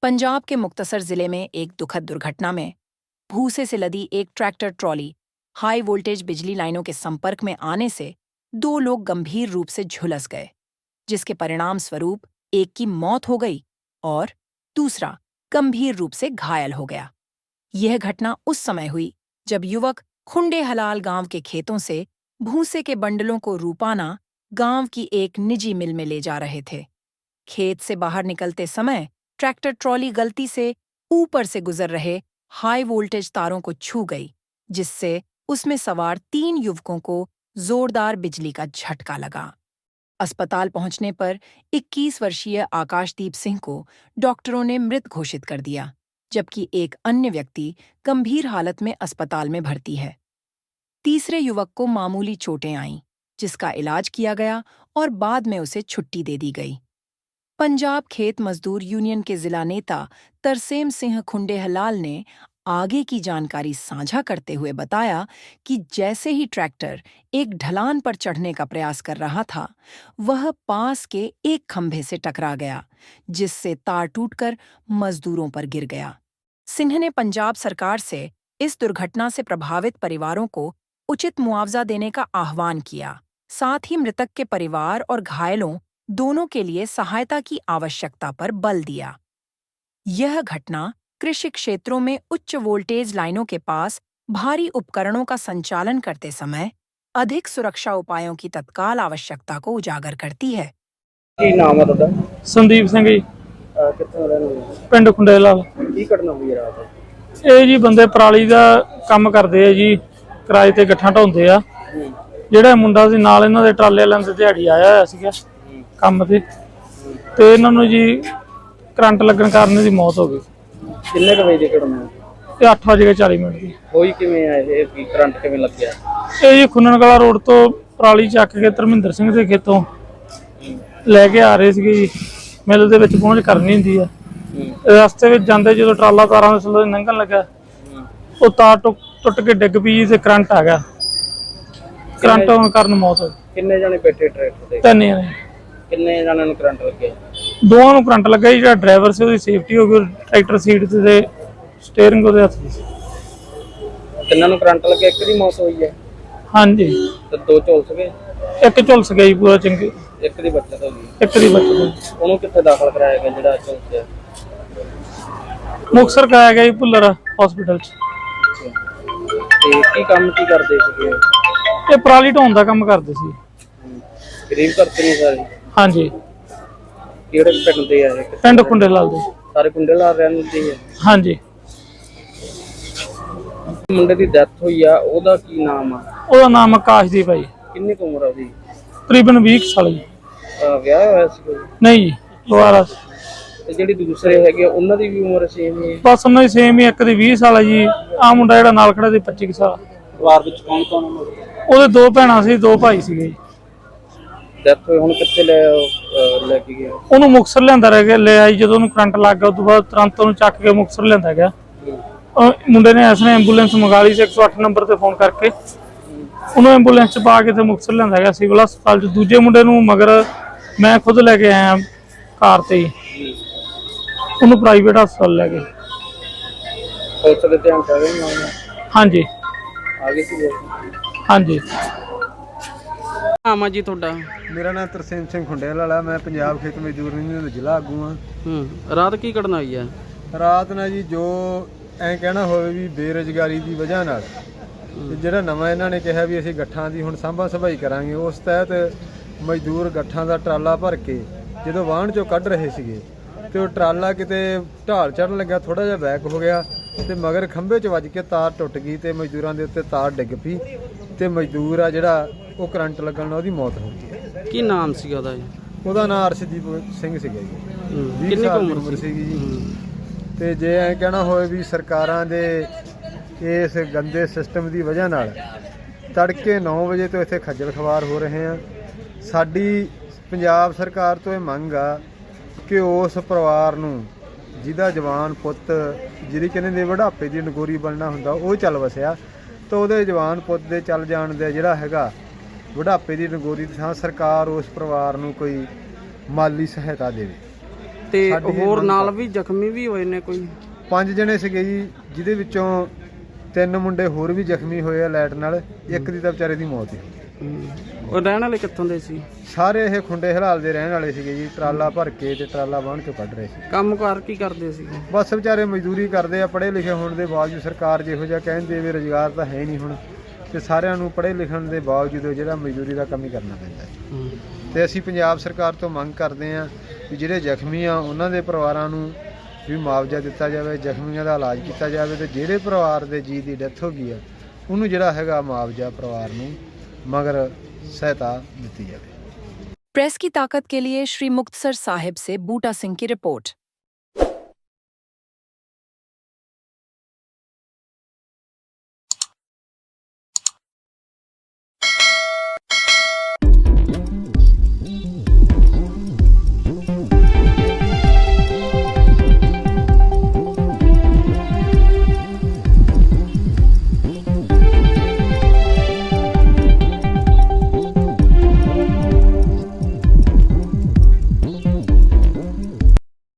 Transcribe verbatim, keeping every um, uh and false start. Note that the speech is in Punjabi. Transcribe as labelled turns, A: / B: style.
A: पंजाब के मुक्तसर जिले में एक दुखद दुर्घटना में भूसे से लदी एक ट्रैक्टर ट्रॉली हाई वोल्टेज बिजली लाइनों के संपर्क में आने से दो लोग गंभीर रूप से झुलस गए, जिसके परिणाम स्वरूप एक की मौत हो गई और दूसरा गंभीर रूप से घायल हो गया। यह घटना उस समय हुई जब युवक खुंडे हलाल गांव के खेतों से भूसे के बंडलों को रूपाना गांव की एक निजी मिल में ले जा रहे थे। खेत से बाहर निकलते समय ट्रैक्टर ट्रॉली गलती से ऊपर से गुजर रहे हाई वोल्टेज तारों को छू गई, जिससे उसमें सवार तीन युवकों को जोरदार बिजली का झटका लगा। अस्पताल पहुंचने पर इक्कीस वर्षीय आकाशदीप सिंह को डॉक्टरों ने मृत घोषित कर दिया, जबकि एक अन्य व्यक्ति गंभीर हालत में अस्पताल में भर्ती है। तीसरे युवक को मामूली चोटें आईं, जिसका इलाज किया गया और बाद में उसे छुट्टी दे दी गई। पंजाब खेत मजदूर यूनियन के जिला नेता तरसेम सिंह खुंडे हलाल ने आगे की जानकारी साझा करते हुए बताया कि जैसे ही ट्रैक्टर एक ढलान पर चढ़ने का प्रयास कर रहा था, वह पास के एक खंभे से टकरा गया, जिससे तार टूटकर मजदूरों पर गिर गया। सिंह ने पंजाब सरकार से इस दुर्घटना से प्रभावित परिवारों को उचित मुआवजा देने का आह्वान किया। साथ ही मृतक के परिवार और घायलों दोनों के लिए सहायता की आवश्यकता पर बल दिया। यह घटना कृषि क्षेत्रों में उच्च वोल्टेज लाइनों के पास भारी उपकरणों का संचालन करते समय अधिक सुरक्षा उपायों की तत्काल आवश्यकता को उजागर करती है।
B: ਕੀ ਨਾਮ ਹੈ ਤੁਹਾਡਾ?
C: ਸੰਦੀਪ ਸਿੰਘ ਜੀ,
B: ਅਹ ਕਿੱਥੋਂ ਰਹਿਣ ਵਾਲੇ ਹੋ?
C: ਪਿੰਡ ਖੁੰਡੇ ਲਾਲ।
B: ਕੀ ਘਟਨਾ ਹੋਈ ਹੈ ਰਾਤ?
C: ਇਹ ਜੀ ਬੰਦੇ ਪਰਾਲੀ ਦਾ ਕੰਮ ਕਰਦੇ ਆ ਜੀ, ਕਿਰਾਏ ਤੇ ਗੱਠਾਂ ਢਾਉਂਦੇ ਆ। ਜਿਹੜਾ ਮੁੰਡਾ ਸੀ ਨਾਲ ਇਹਨਾਂ ਦੇ ਟਰਾਲੇ ਵਾਲਿਆਂ ਦੇ ਦਿਹਾੜੀ ਆਇਆ ਹੋਇਆ ਸੀਗਾ ਕੰਮ ਤੇ, ਤੇ ਇਹਨਾਂ ਨੂੰ ਜੀ ਕਰੰਟ ਲੱਗਣ ਕਾਰਨ ਇਹਦੀ ਮੌਤ ਹੋ ਗਈ।
B: ਕਿੰਨੇ ਕੁ ਵਜੇ ਦੀ ਘਟਨਾ?
C: ਇਹ ਅੱਠ ਵਜੇ ਚਾਲੀ ਮਿੰਟ ਦੀ
B: ਹੋਈ ਕਿਵੇਂ ਹੈ ਇਹ? ਕੀ ਕਰੰਟ ਕਿਵੇਂ ਲੱਗਿਆ?
C: ਇਹ ਜੀ ਖੁੰਨਣਕਲਾ ਰੋਡ ਤੋਂ ਪਰਾਲੀ ਚੱਕ ਕੇ ਧਰਮਿੰਦਰ ਸਿੰਘ ਦੇ ਖੇਤੋਂ ਲੈ ਕੇ ਆ ਰਹੇ ਸੀਗੇ ਜੀ। ਮਿਲ ਦੇ ਵਿੱਚ ਪਹੁੰਚ ਕਰਨੀ ਹੁੰਦੀ ਆ। ਰਸਤੇ ਵਿੱਚ ਜਾਂਦੇ ਜਦੋਂ ਟਰਾਲਾ ਤਾਰਾਂ ਦੇ ਥੱਲੇ ਲੰਘਣ ਲੱਗਾ, ਉਹ ਤਾਰ ਟੁੱਟ ਕੇ ਡਿੱਗ ਪਈ ਤੇ ਕਰੰਟ ਆ ਗਿਆ। ਕਰੰਟ ਹੋਣ ਕਾਰਨ ਮੌਤ ਹੋ ਗਈ।
B: ਕਿੰਨੇ ਜਣੇ ਬੈਠੇ ਟਰੈਕਟਰ ਤੇ?
C: ਤਿੰਨ ਜਣੇ।
B: ਕਿੰਨੇ ਜਣਿਆਂ ਨੂੰ ਕਰੰਟ ਲੱਗਿਆ?
C: ਦੋਵਾਂ ਨੂੰ ਕਰੰਟ ਲੱਗਾ ਜੀ। ਜਿਹੜਾ ਡਰਾਈਵਰ ਸੀ ਉਹਦੀ ਸੇਫਟੀ ਹੋ ਗਈ, ਟਰੈਕਟਰ ਸੀਟ ਤੇ ਸਟੀਅਰਿੰਗ ਉਹਦੇ ਹੱਥ ਸੀ।
B: ਤਿੰਨਾਂ ਨੂੰ ਕਰੰਟ ਲੱਗਿਆ, ਇੱਕ ਦੀ ਮੌਤ ਹੋਈ ਹੈ?
C: ਹਾਂਜੀ।
B: ਤੇ ਦੋ ਝੁਲਸ ਗਏ?
C: ਇੱਕ ਝੁਲਸ ਗਿਆ ਜੀ ਪੂਰਾ ਚੰਗੀ,
B: ਇੱਕ ਦੀ ਬੱਚਤ ਹੋ ਗਈ।
C: ਇੱਕ ਦੀ ਬੱਚਤ ਹੋ ਗਈ।
B: ਉਹਨੂੰ ਕਿੱਥੇ ਦਾਖਲ ਕਰਾਇਆ ਗਿਆ ਜਿਹੜਾ ਝੁਲਸਿਆ?
C: ਮੁਕਤਸਰ ਕਰਾਇਆ ਗਿਆ ਜੀ ਭੁੱਲਰ ਹਸਪੀਟਲ 'ਚ।
B: ਤੇ ਕੀ ਕੰਮ ਕੀ ਕਰਦੇ ਸੀਗੇ?
C: ਇਹ ਪਰਾਲੀ ਢੋਣ ਦਾ ਕੰਮ ਕਰਦੇ ਸੀ।
B: ਗਰੀਬ ਘਰ ਤੇ ਨਹੀਂ ਸਾਰੇ?
C: ਹਾਂਜੀ।
B: ਕਿਹੜੇ ਪਿੰਡ ਦੇ ਆ ਇਹ?
C: ਪਿੰਡ ਖੁੰਡੇ ਲਾਲ ਦੇ।
B: ਸਾਰੇ ਕੁੰਡੇ ਲਾਲ ਰਹਿਣ ਦੇ ਆ?
C: ਹਾਂਜੀ।
B: ਮੁੰਡੇ ਦੀ ਡੈਥ ਹੋਈ ਆ, ਉਹਦਾ ਕੀ ਨਾਮ ਆ?
C: ਉਹਦਾ ਨਾਮ ਆਕਾਸ਼ਦੀਪ ਹੈ ਜੀ।
B: ਕਿੰਨੀ ਕੁ ਉਮਰ ਆ ਉਹਦੀ?
C: ਤਕਰੀਬਨ ਵੀਹ ਸਾਲ ਜੀ।
B: ਅਹ ਵਿਆਹ ਹੋਇਆ ਸੀ ਕੋਈ?
C: ਨਹੀਂ ਜੀ, ਦੁਬਾਰਾ।
B: ਤੇ ਜਿਹੜੀ ਦੂਸਰੇ ਹੈਗੇ ਉਹਨਾਂ ਦੀ ਵੀ ਉਮਰ ਸੇਮ ਹੀ ਹੈ?
C: ਬਸ ਉਹਨਾਂ ਦੀ ਸੇਮ ਹੀ। ਇੱਕ ਦੀ ਵੀਹ ਸਾਲ ਹੈ ਜੀ। ਆਹ ਮੁੰਡਾ ਜਿਹੜਾ ਨਾਲ ਖੜਾ ਸੀ ਪੱਚੀ ਸਾਲ।
B: ਪਰਿਵਾਰ ਵਿੱਚ ਕੌਣ ਕੌਣ?
C: ਉਹਦੇ ਦੋ ਭੈਣਾਂ ਸੀ, ਦੋ ਭਾਈ ਸੀਗੇ।
B: ਡੈਥ ਹੋਈ, ਹੁਣ ਕਿੱਥੇ ਲੈ ਅਹ ਲੈ ਕੇ ਗਏ?
C: ਉਹਨੂੰ ਮੁਕਤਸਰ ਲਿਆਂਦਾ ਰਹਿ ਗਿਆ, ਲੈ ਆਈ। ਜਦੋਂ ਉਹਨੂੰ ਕਰੰਟ ਲੱਗ ਗਿਆ ਉਸ ਤੋਂ ਬਾਅਦ ਤੁਰੰਤ ਉਹਨੂੰ ਚੱਕ ਕੇ ਮੁਕਤਸਰ ਲਿਆਂਦਾ ਗਿਆ। ਉਹ ਮੁੰਡੇ ਨੇ ਇਸ ਨੇ ਐਂਬੂਲੈਂਸ ਮੰਗਾ ਲਈ ਸੀ ਇੱਕ ਸੌ ਅੱਠ ਨੰਬਰ ਤੇ ਫੋਨ ਕਰਕੇ। ਉਹਨੂੰ ਐਂਬੂਲੈਂਸ 'ਚ ਪਾ ਕੇ ਤੇ ਮੁਕਤਸਰ ਲਿਆਂਦਾ ਗਿਆ ਸਿਵਲ ਹਸਪਤਾਲ 'ਚ। ਦੂਜੇ ਮੁੰਡੇ ਨੂੰ ਮਗਰ ਮੈਂ ਖੁਦ ਲੈ ਕੇ ਆਇਆ ਕਾਰ ਤੇ ਹੀ। ਉਹਨੂੰ ਪ੍ਰਾਈਵੇਟ ਹਸਪਤਾਲ ਲੈ ਗਏ।
B: ਪੁਲਿਸ ਦੇ ਧਿਆਨ ਕਰ ਰਹੇ ਨੇ?
C: ਹਾਂਜੀ
B: ਆ ਗਏ ਸੀ?
C: ਹਾਂਜੀ।
B: ਨਾਮ ਆ ਜੀ ਤੁਹਾਡਾ?
D: ਮੇਰਾ ਨਾਮ ਤਰਸੇਮ ਸਿੰਘ ਖੁੰਡੇਲ ਵਾਲਾ। ਮੈਂ ਪੰਜਾਬ ਖੇਤ ਮਜ਼ਦੂਰ ਯੂਨੀਅਨ ਦਾ ਜ਼ਿਲ੍ਹਾ ਆਗੂ ਹਾਂ।
B: ਹੂੰ। ਰਾਤ ਕੀ ਘਟਨਾ ਹੋਈ ਹੈ?
D: ਰਾਤ ਨਾਲ ਜੀ ਜੋ ਐਂ ਕਹਿਣਾ ਹੋਵੇ ਵੀ ਬੇਰੁਜ਼ਗਾਰੀ ਦੀ ਵਜ੍ਹਾ ਨਾਲ ਤੇ ਜਿਹੜਾ ਨਵਾਂ ਇਹਨਾਂ ਨੇ ਕਿਹਾ ਵੀ ਅਸੀਂ ਗੱਠਾਂ ਦੀ ਹੁਣ ਸਾਂਭਾ ਸੰਭਾਈ ਕਰਾਂਗੇ, ਉਸ ਤਹਿਤ ਮਜ਼ਦੂਰ ਗੱਠਾਂ ਦਾ ਟਰਾਲਾ ਭਰ ਕੇ ਜਦੋਂ ਵਾਹਣ 'ਚੋਂ ਕੱਢ ਰਹੇ ਸੀਗੇ ਤੇ ਉਹ ਟਰਾਲਾ ਕਿਤੇ ਢਾਲ ਚੜ੍ਹਨ ਲੱਗਾ, ਥੋੜ੍ਹਾ ਜਿਹਾ ਬੈਕ ਹੋ ਗਿਆ ਤੇ ਮਗਰ ਖੰਭੇ 'ਚ ਵੱਜ ਕੇ ਤਾਰ ਟੁੱਟ ਗਈ ਤੇ ਮਜ਼ਦੂਰਾਂ ਦੇ ਉੱਤੇ ਤਾਰ ਡਿੱਗ ਪਈ ਤੇ ਮਜ਼ਦੂਰ ਆ ਜਿਹੜਾ ਉਹ ਕਰੰਟ ਲੱਗਣ ਨਾਲ ਉਹਦੀ ਮੌਤ ਹੋ ਗਈ।
B: ਕੀ ਨਾਮ ਸੀਗਾ ਉਹਦਾ?
D: ਉਹਦਾ ਨਾਮ ਅਰਸ਼ਦੀਪ ਸਿੰਘ ਸੀਗਾ ਜੀ।
B: ਕਿੰਨੀ ਕੁ ਉਮਰ
D: ਸੀਗੀ ਜੀ। ਤੇ ਜੇ ਐਂ ਕਹਿਣਾ ਹੋਵੇ ਵੀ ਸਰਕਾਰਾਂ ਦੇ ਇਸ ਗੰਦੇ ਸਿਸਟਮ ਦੀ ਵਜ੍ਹਾ ਨਾਲ ਤੜਕੇ ਨੌ ਵਜੇ ਤੋਂ ਇੱਥੇ ਖੱਜਲ ਖਵਾਰ ਹੋ ਰਹੇ ਆ। ਸਾਡੀ ਪੰਜਾਬ ਸਰਕਾਰ ਤੋਂ ਇਹ ਮੰਗ ਆ ਕਿ ਉਸ ਪਰਿਵਾਰ ਨੂੰ ਜਿਹਦਾ ਜਵਾਨ ਪੁੱਤ, ਜਿਹਦੀ ਕਹਿੰਦੇ ਨੇ ਬੁਢਾਪੇ ਦੀ ਨਗੋਰੀ ਬਣਨਾ ਹੁੰਦਾ, ਉਹ ਚੱਲ ਵਸਿਆ ਤਾਂ ਉਹਦੇ ਜਵਾਨ ਪੁੱਤ ਦੇ ਚੱਲ ਜਾਣ ਦਾ ਜਿਹੜਾ ਹੈਗਾ ਬੁਢਾਪੇ ਦੀ ਨਗੋਰੀ ਦੀ ਥਾਂ ਸਰਕਾਰ ਉਸ ਪਰਿਵਾਰ ਨੂੰ ਕੋਈ ਮਾਲੀ ਸਹਾਇਤਾ ਦੇਵੇ।
E: ਤੇ
D: ਸਾਡੀ ਇਹ
E: ਹੋਰ
D: ਮੰਗ
E: ਨਾਲ
D: ਆ।
E: ਵੀ ਜ਼ਖਮੀ ਵੀ ਹੋਏ ਨੇ ਕੋਈ?
D: ਪੰਜ ਜਣੇ ਸੀਗੇ ਜੀ, ਜਿਹਦੇ ਵਿੱਚੋਂ ਤਿੰਨ ਮੁੰਡੇ ਹੋਰ ਵੀ ਜ਼ਖਮੀ ਹੋਏ ਆ ਲਾਈਟ ਨਾਲ, ਇੱਕ ਦੀ ਤਾਂ ਵਿਚਾਰੇ ਦੀ ਮੌਤ ਹੀ ਹੋ ਗਈ।
E: ਹਮ, ਉਹ ਰਹਿਣ ਵਾਲੇ ਕਿੱਥੋਂ ਦੇ ਸੀ?
D: ਸਾਰੇ ਇਹ ਖੁੰਡੇ ਹਲਾਲ ਦੇ ਰਹਿਣ ਵਾਲੇ ਸੀਗੇ ਜੀ, ਟਰਾਲਾ ਭਰ ਕੇ ਤੇ ਟਰਾਲਾ ਬਾਹਣ ਕੇ ਕੱਢ ਰਹੇ ਸੀ।
E: ਕੰਮਕਾਰ ਕੀ ਕਰਦੇ ਸੀ?
D: ਬਸ ਵਿਚਾਰੇ ਮਜ਼ਦੂਰੀ ਕਰਦੇ ਆ, ਪੜ੍ਹੇ ਲਿਖੇ ਹੋਣ ਦੇ ਬਾਵਜੂਦ ਸਰਕਾਰ ਜਿਹੋ ਜਿਹਾ ਕਹਿੰਦੇ ਵੀ ਰੁਜ਼ਗਾਰ ਤਾਂ ਹੈ ਨਹੀਂ ਹੁਣ, ਤੇ ਸਾਰਿਆਂ ਨੂੰ ਪੜ੍ਹੇ ਲਿਖਣ ਦੇ ਬਾਵਜੂਦ ਜਿਹੜਾ ਮਜ਼ਦੂਰੀ ਦਾ ਕੰਮ ਹੀ ਕਰਨਾ ਪੈਂਦਾ ਹੈ।
E: ਹਮ,
D: ਤੇ ਅਸੀਂ ਪੰਜਾਬ ਸਰਕਾਰ ਤੋਂ ਮੰਗ ਕਰਦੇ ਹਾਂ ਵੀ ਜਿਹੜੇ ਜ਼ਖਮੀ ਆ ਉਹਨਾਂ ਦੇ ਪਰਿਵਾਰਾਂ ਨੂੰ ਵੀ ਮੁਆਵਜ਼ਾ ਦਿੱਤਾ ਜਾਵੇ, ਜ਼ਖਮੀਆਂ ਦਾ ਇਲਾਜ ਕੀਤਾ ਜਾਵੇ, ਤੇ ਜਿਹੜੇ ਪਰਿਵਾਰ ਦੇ ਜੀ ਦੀ ਡੈਥ ਹੋ ਗਈ ਆ ਉਹਨੂੰ ਜਿਹੜਾ ਹੈਗਾ ਮੁਆਵਜ਼ਾ ਪਰਿਵਾਰ ਨੂੰ ਮਗਰ ਸਹਾਇਤਾ ਦਿੱਤੀ ਜਾਵੇ।
A: प्रेस की ताकत के लिए श्री मुक्तसर साहिब से बूटा सिंह की रिपोर्ट।